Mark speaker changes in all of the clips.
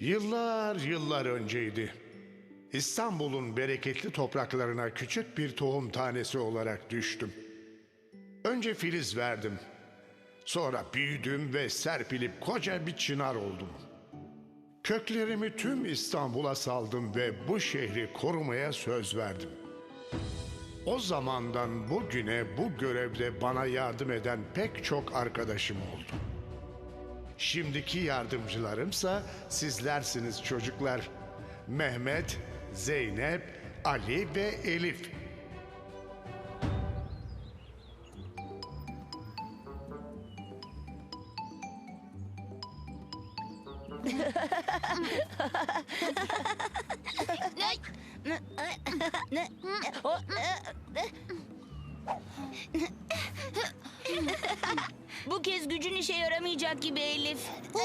Speaker 1: Yıllar yıllar önceydi. İstanbul'un bereketli topraklarına küçük bir tohum tanesi olarak düştüm. Önce filiz verdim. Sonra büyüdüm ve serpilip koca bir çınar oldum. Köklerimi tüm İstanbul'a saldım ve bu şehri korumaya söz verdim. O zamandan bugüne bu görevde bana yardım eden pek çok arkadaşım oldu. Şimdiki yardımcılarımsa sizlersiniz çocuklar. Mehmet, Zeynep, Ali ve Elif.
Speaker 2: Bu kez gücün işe yaramayacak gibi Elif.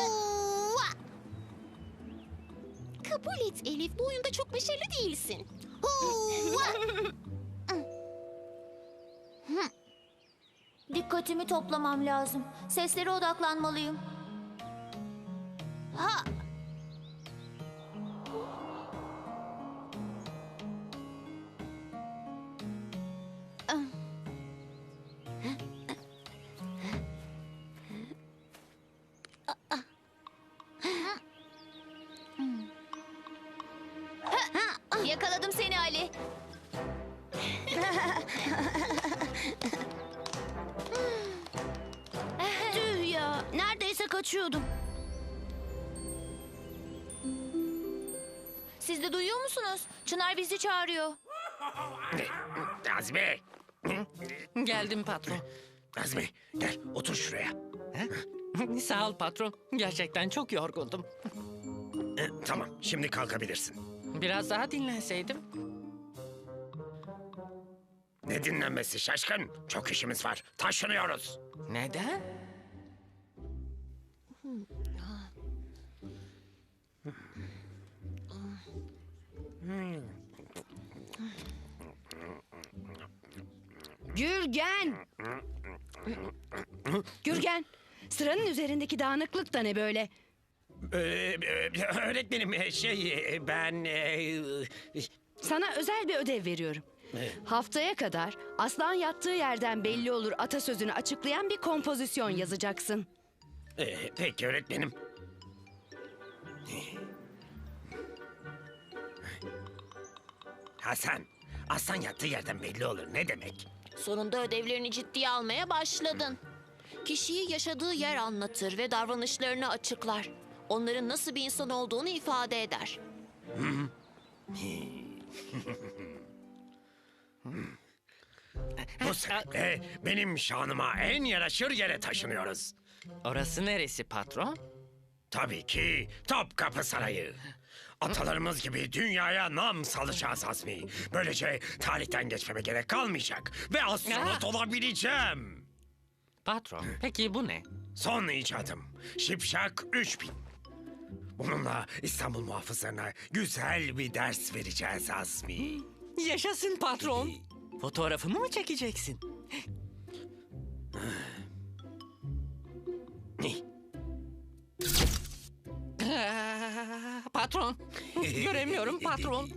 Speaker 3: Kabul et Elif, bu oyunda çok başarılı değilsin.
Speaker 4: Dikkatimi toplamam lazım. Seslere odaklanmalıyım.
Speaker 3: Ha!
Speaker 4: Yakaladım seni Ali.
Speaker 2: Tüh ya, neredeyse kaçıyordum.
Speaker 4: Siz de duyuyor musunuz? Çınar bizi çağırıyor.
Speaker 5: Azmi!
Speaker 6: Geldim patron.
Speaker 5: Azmi gel otur şuraya.
Speaker 6: Sağ ol patron. Gerçekten çok yorgundum.
Speaker 5: Tamam şimdi kalkabilirsin.
Speaker 6: Biraz daha dinlenseydim.
Speaker 5: Ne dinlenmesi şaşkın? Çok işimiz var. Taşınıyoruz.
Speaker 6: Neden?
Speaker 7: Gürgen! Gürgen, sıranın üzerindeki dağınıklık da ne böyle?
Speaker 5: Öğretmenim ben...
Speaker 7: Sana özel bir ödev veriyorum. Haftaya kadar aslan yattığı yerden belli olur atasözünü açıklayan bir kompozisyon yazacaksın.
Speaker 5: Peki öğretmenim. Hasan, aslan yattığı yerden belli olur ne demek?
Speaker 3: Sonunda ödevlerini ciddiye almaya başladın. Kişiyi yaşadığı yer anlatır ve davranışlarını açıklar. Onların nasıl bir insan olduğunu ifade eder.
Speaker 5: Bu sebeple benim şanıma en yaraşır yere taşınıyoruz.
Speaker 6: Orası neresi patron?
Speaker 5: Tabii ki Topkapı Sarayı. Atalarımız gibi dünyaya nam salacağız Azmi. Böylece tarihten geçmeme gerek kalmayacak. Ve astronot olabileceğim.
Speaker 6: Patron, peki bu ne?
Speaker 5: Son icadım. Şipşak 3000. Bununla İstanbul muhafızlarına güzel bir ders vereceğiz Azmi.
Speaker 6: Yaşasın patron. Fotoğrafımı mı çekeceksin? Patron, göremiyorum patron.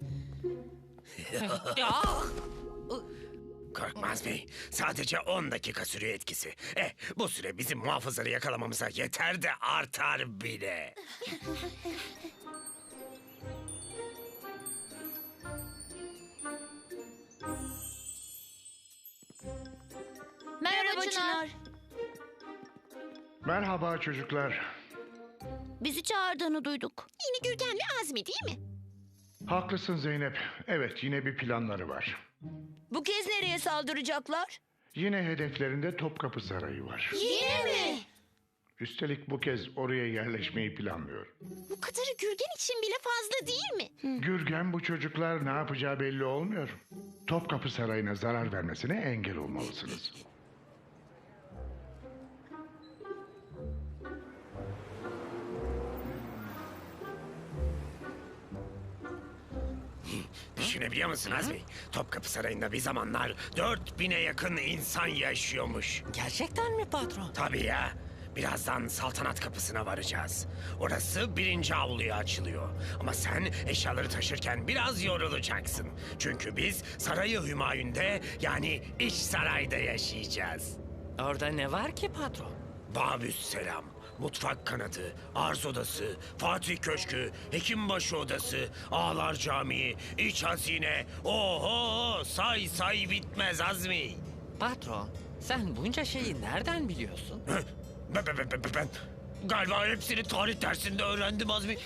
Speaker 6: Ya!
Speaker 5: Korkma Azmi. Sadece 10 dakika sürüyor etkisi. Bu süre bizim muhafızları yakalamamıza yeter de artar bile.
Speaker 4: Merhaba Çınar.
Speaker 1: Merhaba çocuklar.
Speaker 2: Bizi çağırdığını duyduk.
Speaker 3: Yine Gürgen ve Azmi değil mi?
Speaker 1: Haklısın Zeynep. Evet, yine bir planları var.
Speaker 2: Bu kez nereye saldıracaklar?
Speaker 1: Yine hedeflerinde Topkapı Sarayı var.
Speaker 3: Yine mi?
Speaker 1: Üstelik bu kez oraya yerleşmeyi planlıyor.
Speaker 3: Bu kadarı Gürgen için bile fazla değil mi?
Speaker 1: Gürgen bu çocuklar ne yapacağı belli olmuyor. Topkapı Sarayı'na zarar vermesine engel olmalısınız.
Speaker 5: Düşünebiliyor musun Azmi? Topkapı Sarayı'nda bir zamanlar 4000'e yakın insan yaşıyormuş.
Speaker 6: Gerçekten mi patron?
Speaker 5: Tabii ya. Birazdan saltanat kapısına varacağız. Orası 1. avluya açılıyor. Ama sen eşyaları taşırken biraz yorulacaksın. Çünkü biz Sarayı Hümayun'de, yani iç sarayda yaşayacağız.
Speaker 6: Orada ne var ki patron?
Speaker 5: Babüsselam, mutfak kanadı, arz odası, Fatih Köşkü, Hekimbaşı odası, Ağlar Camii, iç hazine. Oho, say say bitmez Azmi.
Speaker 6: Patron, sen bunca şeyi nereden biliyorsun?
Speaker 5: Ben galiba hepsini tarih dersinde öğrendim Azmi.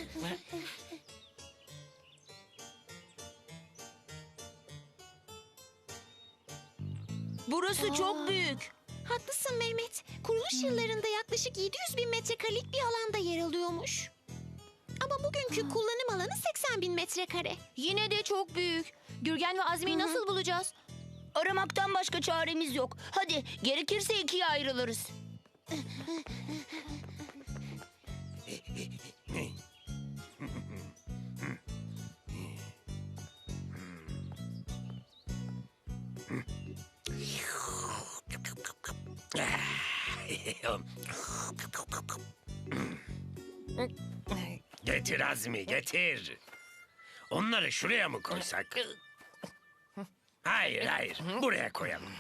Speaker 2: Burası çok büyük.
Speaker 3: Haklısın Mehmet. Kuruluş yıllarında yaklaşık 700 bin metrekarelik bir alanda yer alıyormuş. Ama bugünkü kullanım alanı 80 bin metrekare.
Speaker 4: Yine de çok büyük. Gürgen ve Azmi'yi nasıl bulacağız?
Speaker 2: Aramaktan başka çaremiz yok. Hadi gerekirse ikiye ayrılırız.
Speaker 5: Getir Azmi, getir. Onları şuraya mı koysak? Hayır, hayır. Buraya koyalım.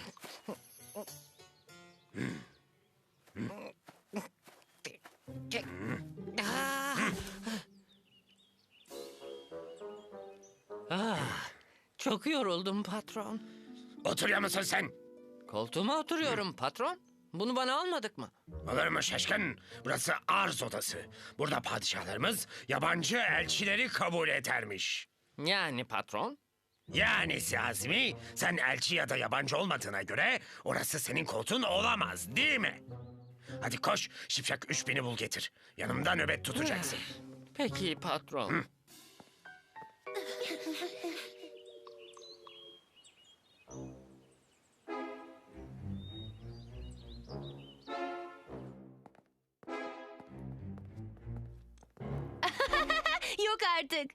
Speaker 6: Çok yoruldum patron.
Speaker 5: Oturuyor musun sen?
Speaker 6: Koltuğuma oturuyorum patron. Bunu bana almadık mı?
Speaker 5: Olur mu şaşkın? Burası arz odası. Burada padişahlarımız yabancı elçileri kabul edermiş.
Speaker 6: Yani patron?
Speaker 5: Yani Azmi, sen elçi ya da yabancı olmadığına göre orası senin koltuğun olamaz, değil mi? Hadi koş, Şipşak 3000'i bul getir. Yanımda nöbet tutacaksın.
Speaker 6: Peki patron.
Speaker 4: Yok artık.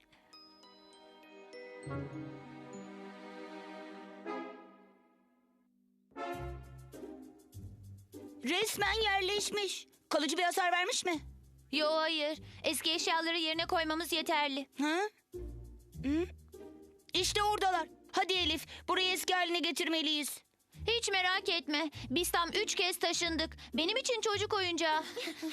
Speaker 2: Resmen yerleşmiş. Kalıcı bir hasar vermiş mi?
Speaker 4: Yo hayır. Eski eşyaları yerine koymamız yeterli.
Speaker 2: Ha? Hı? İşte oradalar. Hadi Elif, burayı eski haline getirmeliyiz.
Speaker 4: Hiç merak etme. Biz tam 3 kez taşındık. Benim için çocuk oyuncağı.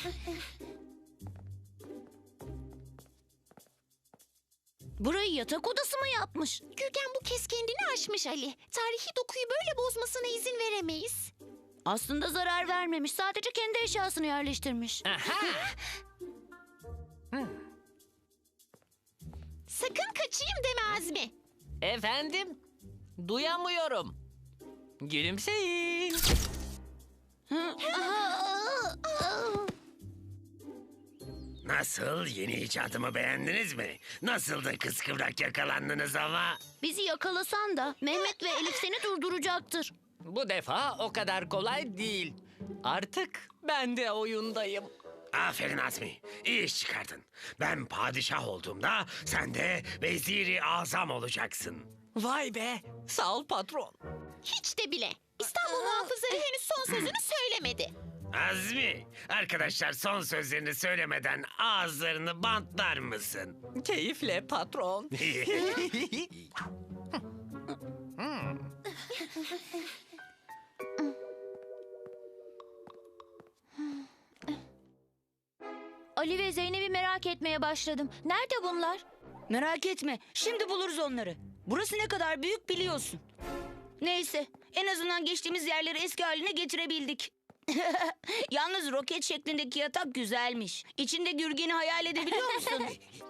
Speaker 2: Burayı yatak odası mı yapmış?
Speaker 3: Gürgen bu kez kendini aşmış Ali. Tarihi dokuyu böyle bozmasına izin veremeyiz.
Speaker 2: Aslında zarar vermemiş. Sadece kendi eşyasını yerleştirmiş.
Speaker 3: Sakın kaçayım deme Azmi.
Speaker 6: Efendim? Duyamıyorum. Gülümseyin.
Speaker 5: Nasıl, yeni icadımı beğendiniz mi? Nasıl da kıskıvrak yakalandınız ama?
Speaker 2: Bizi yakalasan da Mehmet ve Elif seni durduracaktır.
Speaker 6: Bu defa o kadar kolay değil. Artık ben de oyundayım.
Speaker 5: Aferin Azmi, iyi iş çıkardın. Ben padişah olduğumda sen de veziri azam olacaksın.
Speaker 6: Vay be. Sağ ol patron.
Speaker 3: Hiç de bile. İstanbul muhafızları henüz son sözünü söylemedi.
Speaker 5: Azmi, arkadaşlar son sözlerini söylemeden ağızlarını bantlar mısın?
Speaker 6: Keyifle patron.
Speaker 4: Ali ve Zeynep'i merak etmeye başladım. Nerede bunlar?
Speaker 2: Merak etme, şimdi buluruz onları. Burası ne kadar büyük biliyorsun. Neyse, en azından geçtiğimiz yerleri eski haline getirebildik. Yalnız roket şeklindeki yatak güzelmiş. İçinde Gürgen'i hayal edebiliyor musun?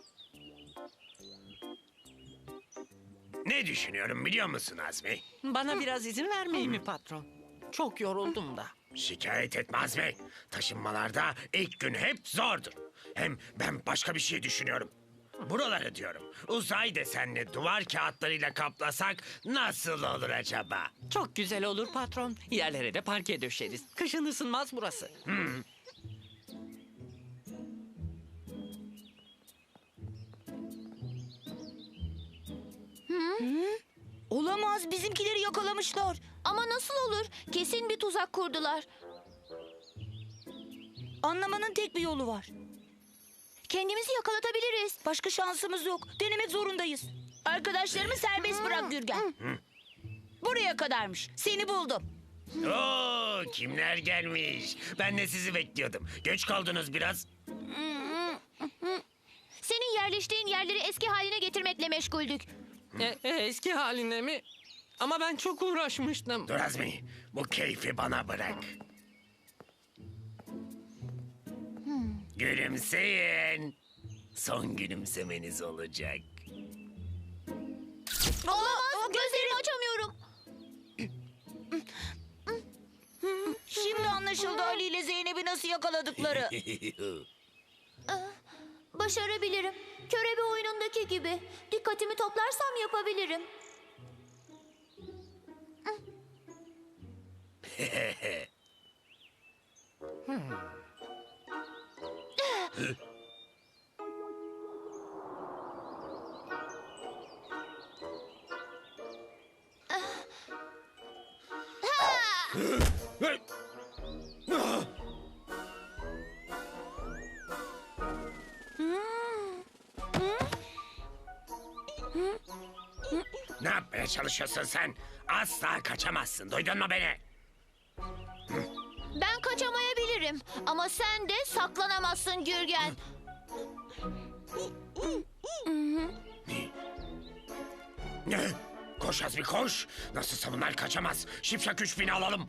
Speaker 5: Ne düşünüyorum biliyor musun Azmi?
Speaker 6: Bana biraz izin vermeyi mi patron? Çok yoruldum da.
Speaker 5: Şikayet etme Azmi. Taşınmalarda ilk gün hep zordur. Hem ben başka bir şey düşünüyorum. Buraları diyorum. Uzay desenli duvar kağıtlarıyla kaplasak nasıl olur acaba?
Speaker 6: Çok güzel olur patron. Yerlere de parke döşeriz. Kışın ısınmaz burası.
Speaker 2: Olamaz, bizimkileri yakalamışlar.
Speaker 4: Ama nasıl olur? Kesin bir tuzak kurdular.
Speaker 2: Anlamanın tek bir yolu var.
Speaker 4: Kendimizi yakalatabiliriz.
Speaker 2: Başka şansımız yok. Denemek zorundayız. Arkadaşlarımı serbest bırak Gürgen. Buraya kadarmış. Seni buldum.
Speaker 5: Oo, kimler gelmiş? Ben de sizi bekliyordum. Geç kaldınız biraz.
Speaker 4: Senin yerleştiğin yerleri eski haline getirmekle meşguldük.
Speaker 6: Eski haline mi? Ama ben çok uğraşmıştım.
Speaker 5: Dur Azmi, bu keyfi bana bırak. Gülümseyin. Son gülümsemeniz olacak.
Speaker 4: Olamaz. Gözlerimi açamıyorum.
Speaker 2: Şimdi anlaşıldı Ali ile Zeynep'i nasıl yakaladıkları.
Speaker 4: Başarabilirim. Körebe oyunundaki gibi. Dikkatimi toplarsam yapabilirim.
Speaker 5: Ne yapmaya çalışıyorsun sen? Asla kaçamazsın. Duydun mu beni?
Speaker 4: Ben kaçamayabilirim. Ama sen de saklanamazsın Gürgen.
Speaker 5: Ne? Koş Azmi koş. Nasılsa bunlar kaçamaz. Şipşak 3000'i alalım.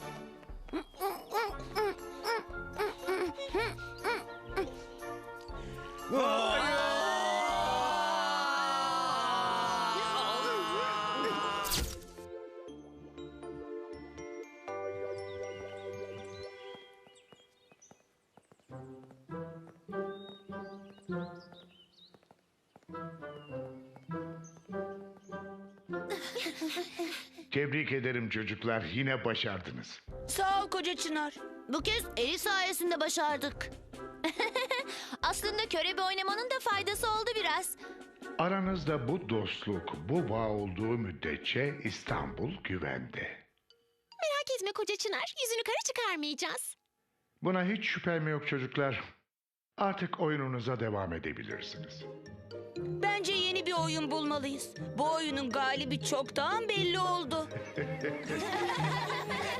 Speaker 1: Tebrik ederim çocuklar. Yine başardınız.
Speaker 2: Sağ ol koca Çınar.
Speaker 4: Bu kez Eli sayesinde başardık. Aslında körebe oynamanın da faydası oldu biraz.
Speaker 1: Aranızda bu dostluk, bu bağ olduğu müddetçe İstanbul güvende.
Speaker 3: Merak etme koca Çınar. Yüzünü kara çıkarmayacağız.
Speaker 1: Buna hiç şüphem yok çocuklar. Artık oyununuza devam edebilirsiniz.
Speaker 2: Bence yeni bir oyun bulmalıyız. Bu oyunun galibi çoktan belli oldu.